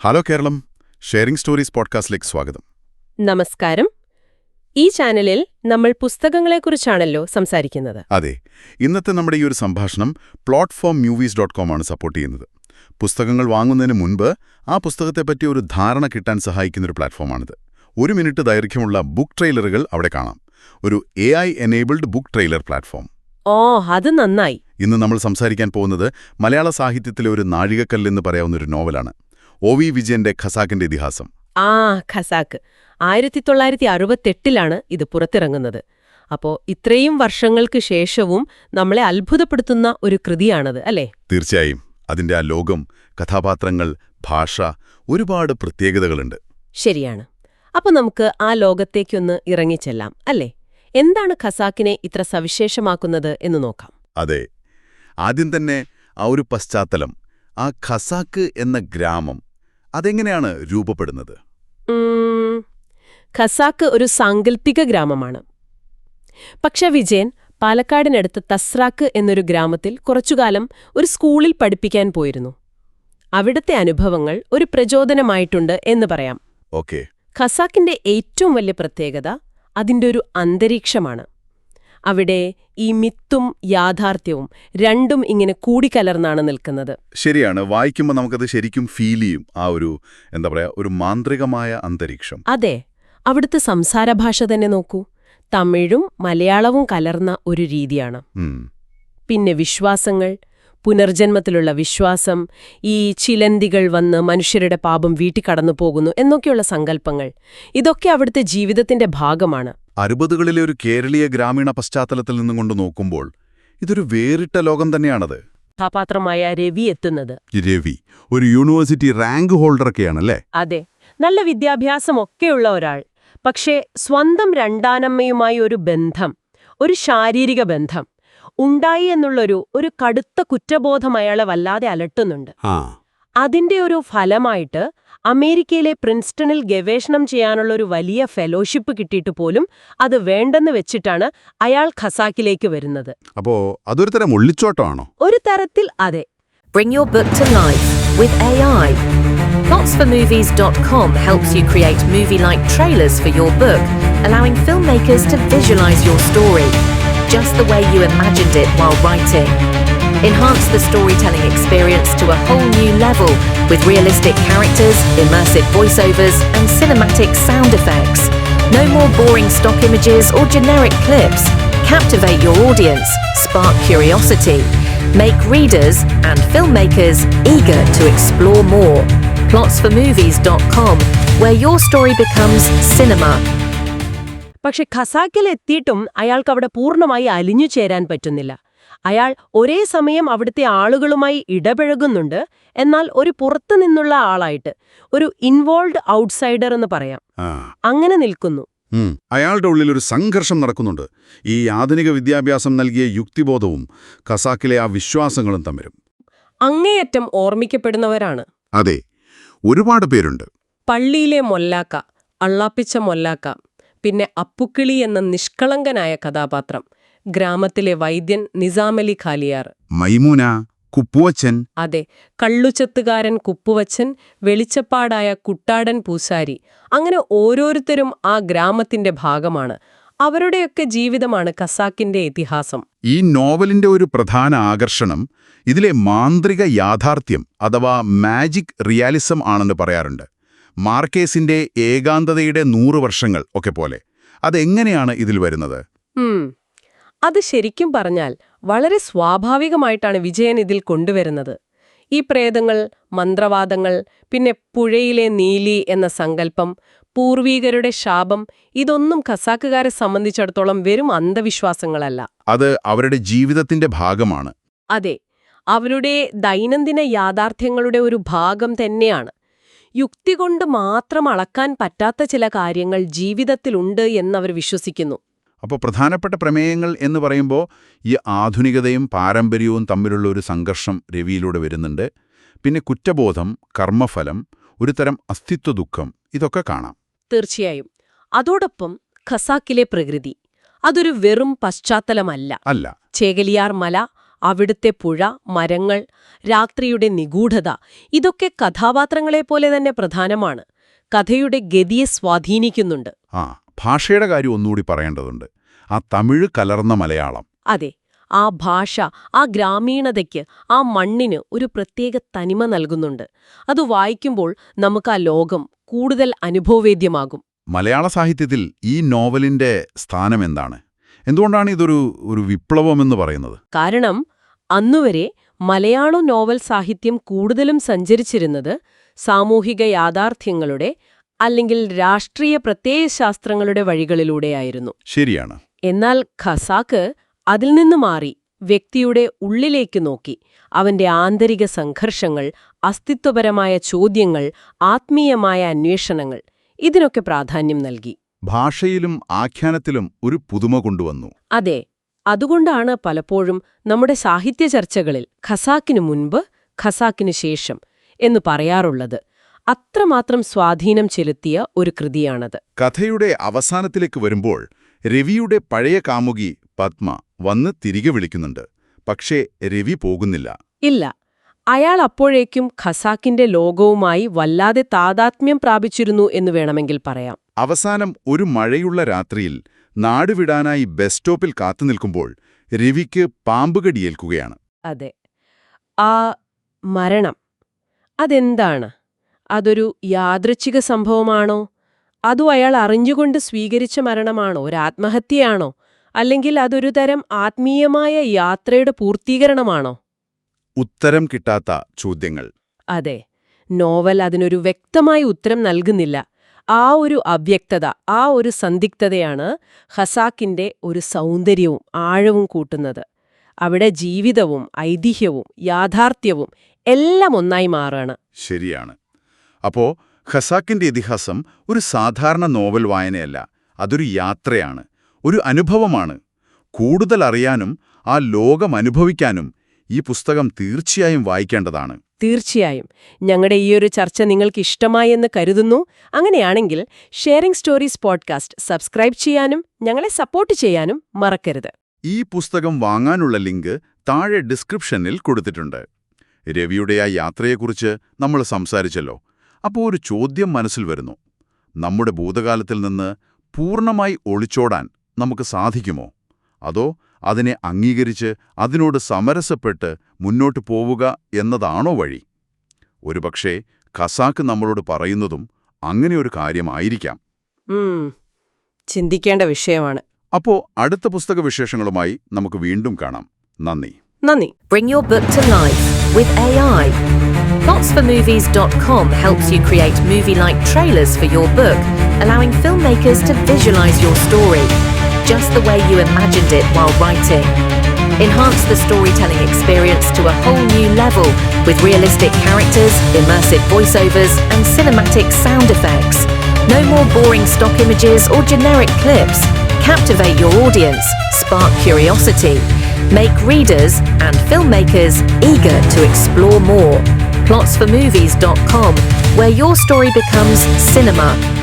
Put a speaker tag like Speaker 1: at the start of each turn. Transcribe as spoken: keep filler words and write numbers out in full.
Speaker 1: Hello Keralam, sharing stories പോഡ്കാസ്റ്റിലേക്ക് സ്വാഗതം.
Speaker 2: നമസ്കാരം. ഈ ചാനലിൽ നമ്മൾ പുസ്തകങ്ങളെക്കുറിച്ചാണല്ലോ സംസാരിക്കുന്നത്.
Speaker 1: അതെ, ഇന്നത്തെ നമ്മുടെ ഈ ഒരു സംഭാഷണം പ്ലോട്ട്ഫോം മൂവീസ് ഡോട്ട് കോം ആണ് സപ്പോർട്ട് ചെയ്യുന്നത്. പുസ്തകങ്ങൾ വാങ്ങുന്നതിന് മുൻപ് ആ പുസ്തകത്തെപ്പറ്റി ഒരു ധാരണ കിട്ടാൻ സഹായിക്കുന്നൊരു പ്ലാറ്റ്ഫോമാണിത്. ഒരു മിനിറ്റ് ദൈർഘ്യമുള്ള ബുക്ക് ട്രെയിലറുകൾ അവിടെ കാണാം. ഒരു A I enabled book trailer platform.
Speaker 2: ഓ, അത് നന്നായി.
Speaker 1: ഇന്ന് നമ്മൾ സംസാരിക്കാൻ പോകുന്നത് മലയാള സാഹിത്യത്തിലെ ഒരു നാഴികക്കല്ലെന്ന് പറയാവുന്ന ഒരു നോവലാണ്. ഒ വി വിജയന്റെ ഖസാക്കിന്റെ ഇതിഹാസം.
Speaker 2: ആ ഖസാക്ക് ആയിരത്തി തൊള്ളായിരത്തി അറുപത്തെട്ടിലാണ് ഇത് പുറത്തിറങ്ങുന്നത്. അപ്പോ ഇത്രയും വർഷങ്ങൾക്ക് ശേഷവും നമ്മളെ അത്ഭുതപ്പെടുത്തുന്ന ഒരു കൃതിയാണത്, അല്ലേ?
Speaker 1: തീർച്ചയായും. അതിന്റെ ആ ലോകം, കഥാപാത്രങ്ങൾ, ഭാഷ, ഒരുപാട് പ്രത്യേകതകളുണ്ട്.
Speaker 2: ശരിയാണ്. അപ്പൊ നമുക്ക് ആ ലോകത്തേക്കൊന്ന് ഇറങ്ങിച്ചെല്ലാം, അല്ലേ? എന്താണ് ഖസാക്കിനെ ഇത്ര സവിശേഷമാക്കുന്നത് എന്ന് നോക്കാം.
Speaker 1: അതെ, ആദ്യം തന്നെ ആ ഒരു പശ്ചാത്തലം, ആ ഖസാക്ക് എന്ന ഗ്രാമം, അതെങ്ങനെയാണ് രൂപപ്പെടുന്നത്?
Speaker 2: ഖസാക്ക് ഒരു സാങ്കല്പിക ഗ്രാമമാണ്. പക്ഷെ വിജയൻ പാലക്കാടിനടുത്ത് തസ്രാക്ക് എന്നൊരു ഗ്രാമത്തിൽ കുറച്ചുകാലം ഒരു സ്കൂളിൽ പഠിപ്പിക്കാൻ പോയിരുന്നു. അവിടുത്തെ അനുഭവങ്ങൾ ഒരു പ്രചോദനമായിട്ടുണ്ട് എന്ന് പറയാം.
Speaker 1: ഓക്കെ.
Speaker 2: ഖസാക്കിന്റെ ഏറ്റവും വലിയ പ്രത്യേകത അതിൻ്റെ ഒരു അന്തരീക്ഷമാണ്. അവിടെ ഈ മിത്തും യാഥാർത്ഥ്യവും രണ്ടും ഇങ്ങനെ കൂടിക്കലർന്നാണ് നിൽക്കുന്നത്.
Speaker 1: ശരിയാണ്. വായിക്കുമ്പോൾ നമുക്കത് ശരിക്കും ഫീൽ ചെയ്യും, ആ ഒരു എന്താ പറയാ, ഒരു മാന്ത്രികമായ അന്തരീക്ഷം.
Speaker 2: അതെ. അവിടുത്തെ സംസാരഭാഷ തന്നെ നോക്കൂ. തമിഴും മലയാളവും കലർന്ന ഒരു രീതിയാണ്. പിന്നെ വിശ്വാസങ്ങൾ, പുനർജന്മത്തിലുള്ള വിശ്വാസം, ഈ ചിലന്തികൾ വന്ന് മനുഷ്യരുടെ പാപം വീട്ടിക്കടന്നു പോകുന്നു എന്നൊക്കെയുള്ള സങ്കല്പങ്ങൾ, ഇതൊക്കെ അവിടുത്തെ ജീവിതത്തിന്റെ ഭാഗമാണ്.
Speaker 1: അറുപതുകളിലെ ഒരു കേരളീയ ഗ്രാമീണ പശ്ചാത്തലത്തിൽ നിന്നും കൊണ്ട് നോക്കുമ്പോൾ ഇതൊരു വേറിട്ട ലോകം തന്നെയാണത്.
Speaker 2: കഥാപാത്രമായ രവി എത്തുന്നത്
Speaker 1: രവി ഒരു യൂണിവേഴ്സിറ്റി റാങ്ക് ഹോൾഡറൊക്കെയാണല്ലേ?
Speaker 2: അതെ, നല്ല വിദ്യാഭ്യാസമൊക്കെയുള്ള ഒരാൾ. പക്ഷേ സ്വന്തം രണ്ടാനമ്മയുമായി ഒരു ബന്ധം, ഒരു ശാരീരിക ബന്ധം ഉണ്ടായി എന്നുള്ളൊരു ഒരു കടുത്ത കുറ്റബോധം അയാളെ വല്ലാതെ അലട്ടുന്നുണ്ട്. അതിന്റെ ഒരു ഫലമായിട്ട് അമേരിക്കയിലെ പ്രിൻസ്റ്റണിൽ ഗവേഷണം ചെയ്യാനുള്ള ഒരു വലിയ ഫെലോഷിപ്പ് കിട്ടിയിട്ട് പോലും അത് വേണ്ടെന്ന് വെച്ചിട്ടാണ് അയാൾ ഖസാക്കിലേക്ക് വരുന്നത്.
Speaker 1: അപ്പോ അതൊരു തരം ഒളിച്ചോട്ടമാണോ?
Speaker 2: ഒരു തരത്തിൽ അതെ.
Speaker 3: Bring your book to life with A I. plots for movies dot com helps you create movie-like trailers for your book, allowing filmmakers to visualize your story just the way you imagined it while writing. Enhance the storytelling experience to a whole new level with realistic characters, immersive voiceovers, and cinematic sound effects. No more boring stock images or generic clips. Captivate your audience, spark curiosity, make readers and filmmakers eager to explore more. plots for movies dot com, where your story becomes cinema.
Speaker 2: പക്ഷെ ഖസാക്കിൽ എത്തിയിട്ടും അയാൾക്ക് അവിടെ പൂർണ്ണമായി അലിഞ്ഞു ചേരാൻ പറ്റുന്നില്ല. അയാൾ ഒരേ സമയം അവിടുത്തെ ആളുകളുമായി ഇടപഴകുന്നുണ്ട്, എന്നാൽ ഒരു പുറത്തു നിന്നുള്ള ആളായിട്ട്, ഒരു ഇൻവോൾവ് ഔട്ട്സൈഡർ എന്ന് പറയാം, അങ്ങനെ നിൽക്കുന്നു.
Speaker 1: അയാളുടെ ഉള്ളിൽ ഒരു സംഘർഷം നടക്കുന്നുണ്ട്. ഈ ആധുനിക വിദ്യാഭ്യാസം നൽകിയ യുക്തിബോധവും ഖസാക്കിലെ ആ വിശ്വാസങ്ങളും തമ്മിലും
Speaker 2: അങ്ങേയറ്റം ഓർമ്മിക്കപ്പെടുന്നവരാണ്.
Speaker 1: അതെ, ഒരുപാട് പേരുണ്ട്.
Speaker 2: പള്ളിയിലെ മൊല്ലാക്ക, അള്ളാപ്പിച്ച മൊല്ലാക്ക, പിന്നെ അപ്പുക്കിളി എന്ന നിഷ്കളങ്കനായ കഥാപാത്രം, ഗ്രാമത്തിലെ വൈദ്യൻ നിസാമലി ഖാലിയാർ,
Speaker 1: മൈമൂന, കുപ്പുവച്ചൻ,
Speaker 2: അതെ, കള്ളുചത്തുകാരൻ കുപ്പുവച്ചൻ, വെളിച്ചപ്പാടായ കുട്ടാടൻ പൂസാരി, അങ്ങനെ ഓരോരുത്തരും ആ ഗ്രാമത്തിന്റെ ഭാഗമാണ്. അവരുടെയൊക്കെ ജീവിതമാണ് ഖസാക്കിന്റെ ഇതിഹാസം.
Speaker 1: ഈ നോവലിന്റെ ഒരു പ്രധാന ആകർഷണം ഇതിലെ മാന്ത്രിക യാഥാർത്ഥ്യം അഥവാ മാജിക് റിയാലിസം ആണെന്ന് പറയാറുണ്ട്. മാർക്കേസിന്റെ ഏകാന്തതയുടെ നൂറ് വർഷങ്ങൾ ഒക്കെ പോലെ. അതെങ്ങനെയാണ് ഇതിൽ വരുന്നത്?
Speaker 2: അത് ശരിക്കും പറഞ്ഞാൽ വളരെ സ്വാഭാവികമായിട്ടാണ് വിജയൻ ഇതിൽ കൊണ്ടുവരുന്നത്. ഈ പ്രേതങ്ങൾ, മന്ത്രവാദങ്ങൾ, പിന്നെ പുഴയിലെ നീലി എന്ന സങ്കല്പം, പൂർവീകരുടെ ശാപം, ഇതൊന്നും ഖസാക്കുകാരെ സംബന്ധിച്ചിടത്തോളം വെറും അന്ധവിശ്വാസങ്ങളല്ല.
Speaker 1: അത് അവരുടെ ജീവിതത്തിന്റെ ഭാഗമാണ്.
Speaker 2: അതെ, അവരുടെ ദൈനംദിന യാഥാർത്ഥ്യങ്ങളുടെ ഒരു ഭാഗം തന്നെയാണ്. യുക്തി കൊണ്ട് മാത്രം അളക്കാൻ പറ്റാത്ത ചില കാര്യങ്ങൾ ജീവിതത്തിലുണ്ട് എന്നവർ വിശ്വസിക്കുന്നു.
Speaker 1: അപ്പോൾ പ്രധാനപ്പെട്ട പ്രമേയങ്ങൾ എന്ന് പറയുമ്പോൾ ഈ ആധുനികതയും പാരമ്പര്യവും തമ്മിലുള്ള ഒരു സംഘർഷം രവിയിലൂടെ വരുന്നുണ്ട്. പിന്നെ കുറ്റബോധം, കർമ്മഫലം, ഒരു തരം അസ്തിത്വ ദുഃഖം, ഇതൊക്കെ കാണാം.
Speaker 2: തീർച്ചയായും. അതോടൊപ്പം ഖസാക്കിലെ പ്രകൃതി, അതൊരു വെറും പശ്ചാത്തലമല്ല.
Speaker 1: അല്ല.
Speaker 2: ചേകലിയാർ മല, അവിടുത്തെ പുഴ, മരങ്ങൾ, രാത്രിയുടെ നിഗൂഢത ഇതൊക്കെ കഥാപാത്രങ്ങളെപ്പോലെ തന്നെ പ്രധാനമാണ്. കഥയുടെ ഗതിയെ സ്വാധീനിക്കുന്നുണ്ട്.
Speaker 1: ആ ഭാഷയുടെ കാര്യം ഒന്നുകൂടി പറയേണ്ടതുണ്ട്. ആ തമിഴ് കലർന്ന മലയാളം.
Speaker 2: അതെ, ആ ഭാഷ, ആ ഗ്രാമീണതയ്ക്ക്, ആ മണ്ണിന് ഒരു പ്രത്യേക തനിമ നൽകുന്നുണ്ട്. അത് വായിക്കുമ്പോൾ നമുക്ക് ആ ലോകം കൂടുതൽ അനുഭവവേദ്യമാകും.
Speaker 1: മലയാള സാഹിത്യത്തിൽ ഈ നോവലിന്റെ സ്ഥാനം എന്താണ്? എന്തുകൊണ്ടാണ് ഇതൊരു ഒരു വിപ്ലവമെന്ന് പറയുന്നത്?
Speaker 2: കാരണം അന്നുവരെ മലയാള നോവൽ സാഹിത്യം കൂടുതലും സഞ്ചരിച്ചിരുന്നത് സാമൂഹിക യാഥാർത്ഥ്യങ്ങളുടെ അല്ലെങ്കിൽ രാഷ്ട്രീയ പ്രത്യയശാസ്ത്രങ്ങളുടെ വഴികളിലൂടെയായിരുന്നു.
Speaker 1: ശരിയാണ്.
Speaker 2: എന്നാൽ ഖസാക്ക് അതിൽ നിന്ന് മാറി വ്യക്തിയുടെ ഉള്ളിലേക്ക് നോക്കി അവന്റെ ആന്തരിക സംഘർഷങ്ങൾ, അസ്തിത്വപരമായ ചോദ്യങ്ങൾ, ആത്മീയമായ അന്വേഷണങ്ങൾ ഇതിനൊക്കെ പ്രാധാന്യം നൽകി.
Speaker 1: ഭാഷയിലും ആഖ്യാനത്തിലും ഒരു പുതുമ കൊണ്ടുവന്നു.
Speaker 2: അതെ, അതുകൊണ്ടാണ് പലപ്പോഴും നമ്മുടെ സാഹിത്യ ചർച്ചകളിൽ ഖസാക്കിനു മുൻപ്, ഖസാക്കിനു ശേഷം എന്ന് പറയാറുള്ളത്. അത്രമാത്രം സ്വാധീനം ചെലുത്തിയ ഒരു കൃതിയാണത്.
Speaker 1: കഥയുടെ അവസാനത്തിലേക്ക് വരുമ്പോൾ രവിയുടെ പഴയ കാമുകി പത്മ വന്ന് തിരികെ വിളിക്കുന്നുണ്ട്. പക്ഷേ രവി പോകുന്നില്ല.
Speaker 2: ഇല്ല, അയാൾ അപ്പോഴേക്കും ഖസാക്കിന്റെ ലോകവുമായി വല്ലാതെ താതാത്മ്യം പ്രാപിച്ചിരുന്നു എന്ന് വേണമെങ്കിൽ പറയാം.
Speaker 1: അവസാനം ഒരു മഴയുള്ള രാത്രിയിൽ നാടുവിടാനായി ബസ് സ്റ്റോപ്പിൽ കാത്തുനിൽക്കുമ്പോൾ രവിക്ക് പാമ്പുകടിയേൽക്കുകയാണ്.
Speaker 2: അതെ, ആ മരണം അതെന്താണ്? അതൊരു യാദൃച്ഛിക സംഭവമാണോ? അതോ അയാൾ അറിഞ്ഞുകൊണ്ട് സ്വീകരിച്ച മരണമാണോ? ഒരു ആത്മഹത്യയാണോ? അല്ലെങ്കിൽ അതൊരു തരം ആത്മീയമായ യാത്രയുടെ പൂർത്തീകരണമാണോ?
Speaker 1: ഉത്തരം കിട്ടാത്ത ചോദ്യങ്ങൾ.
Speaker 2: അതെ, നോവൽ അതിനൊരു വ്യക്തമായ ഉത്തരം നൽകുന്നില്ല. ആ ഒരു അവ്യക്തത, ആ ഒരു സന്ദിഗ്ധതയാണ് ഖസാക്കിന്റെ ഒരു സൗന്ദര്യവും ആഴവും കൂട്ടുന്നത്. അവിടെ ജീവിതവും ഐതിഹ്യവും യാഥാർത്ഥ്യവും എല്ലാം ഒന്നായി മാറുകയാണ്.
Speaker 1: ശരിയാണ്. അപ്പോ ഖസാക്കിന്റെ ഇതിഹാസം ഒരു സാധാരണ നോവൽ വായനയല്ല, അതൊരു യാത്രയാണ്, ഒരു അനുഭവമാണ്. കൂടുതൽ അറിയാനും ആ ലോകം അനുഭവിക്കാനും ഈ പുസ്തകം തീർച്ചയായും വായിക്കേണ്ടതാണ്.
Speaker 2: തീർച്ചയായും. ഞങ്ങളുടെ ഈയൊരു ചർച്ച നിങ്ങൾക്ക് ഇഷ്ടമായി എന്ന് കരുതുന്നു. അങ്ങനെയാണെങ്കിൽ ഷെയറിംഗ് സ്റ്റോറീസ് പോഡ്കാസ്റ്റ് സബ്സ്ക്രൈബ് ചെയ്യാനും ഞങ്ങളെ സപ്പോർട്ട് ചെയ്യാനും മറക്കരുത്.
Speaker 1: ഈ പുസ്തകം വാങ്ങാനുള്ള ലിങ്ക് താഴെ ഡിസ്ക്രിപ്ഷനിൽ കൊടുത്തിട്ടുണ്ട്. രവിയുടെ ആ യാത്രയെക്കുറിച്ച് നമ്മൾ സംസാരിച്ചല്ലോ. അപ്പോൾ ഒരു ചോദ്യം മനസ്സിൽ വരുന്നു. നമ്മുടെ ഭൂതകാലത്തിൽ നിന്ന് പൂർണ്ണമായി ഒളിച്ചോടാൻ നമുക്ക് സാധിക്കുമോ? അതോ അതിനെ അംഗീകരിച്ച് അതിനോട് സമരസപ്പെട്ട് മുന്നോട്ടു പോവുക എന്നതാണോ വഴി? ഒരുപക്ഷേ ഖസാക്ക് നമ്മളോട് പറയുന്നതും അങ്ങനെയൊരു കാര്യമായിരിക്കാം.
Speaker 2: ചിന്തിക്കേണ്ട വിഷയമാണ്.
Speaker 1: അപ്പോ അടുത്ത പുസ്തക വിശേഷങ്ങളുമായി നമുക്ക് വീണ്ടും കാണാം. നന്ദി.
Speaker 2: നന്ദി.
Speaker 3: Bring your book to life with A I. plots for movies dot com helps you create movie-like trailers for your book, allowing filmmakers to visualize your story just the way you imagined it while writing. Enhance the storytelling experience to a whole new level with realistic characters, immersive voiceovers, and cinematic sound effects. No more boring stock images or generic clips. Captivate your audience, spark curiosity, make readers and filmmakers eager to explore more. plots for movies dot com, where your story becomes cinema